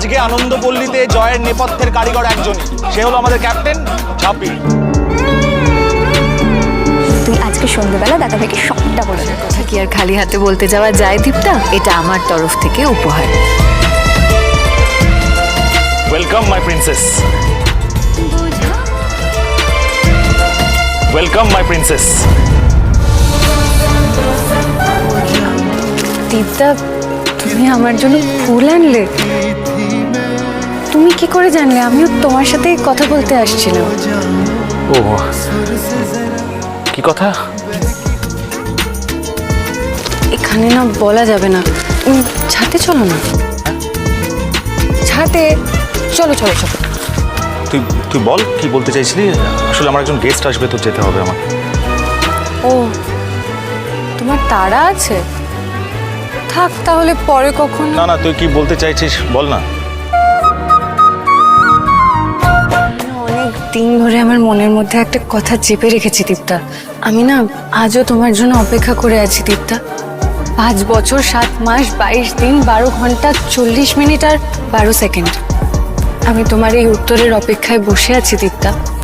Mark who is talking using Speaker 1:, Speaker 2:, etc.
Speaker 1: আজকে আনন্দপল্লীতে জয়ের নেপথ্যের কারিগর একজনই, সে হলো আমাদের ক্যাপ্টেন ঝাঁপি।
Speaker 2: তুই আজকে সন্ধ্যেবেলা দাদাভাইকে সবটা বলে দে।
Speaker 3: কথা কি আর খালি হাতে বলতে যাওয়া যায় দীপ্তা? এটা আমার তরফ থেকে উপহার।
Speaker 1: Welcome my princess, welcome my princess.
Speaker 3: Dipta, তুমি আমার জন্য ফুল আনলে? তুমি কি করে জানলে? আমিও তোমার সাথে কথা বলতে আসছিলাম।
Speaker 1: ও কি কথা?
Speaker 3: এখানে না বলা যাবে না। ছাদে চলো না, ছাদে চলো চলো চলো।
Speaker 1: তুই তুই বল কি বলতে চাইছিলি। আসলে আমার একজন গেস্ট আসবে, তো যেতে হবে আমার।
Speaker 3: ও, তোমার তাড়া আছে? থাক তাহলে, পরে কখন।
Speaker 1: না না, তুই কি বলতে চাইছিস বল না।
Speaker 3: অনেক দিন ধরে আমার মনের মধ্যে একটা কথা চেপে রেখেছি দীপ্তা। আমি না আজও তোমার জন্য অপেক্ষা করে আছি দীপ্তা। 5 বছর 7 মাস 22 দিন 12 ঘন্টা 40 মিনিট আর 12 সেকেন্ড আমি তোমার এই উত্তরের অপেক্ষায় বসে আছি দীপ্তা।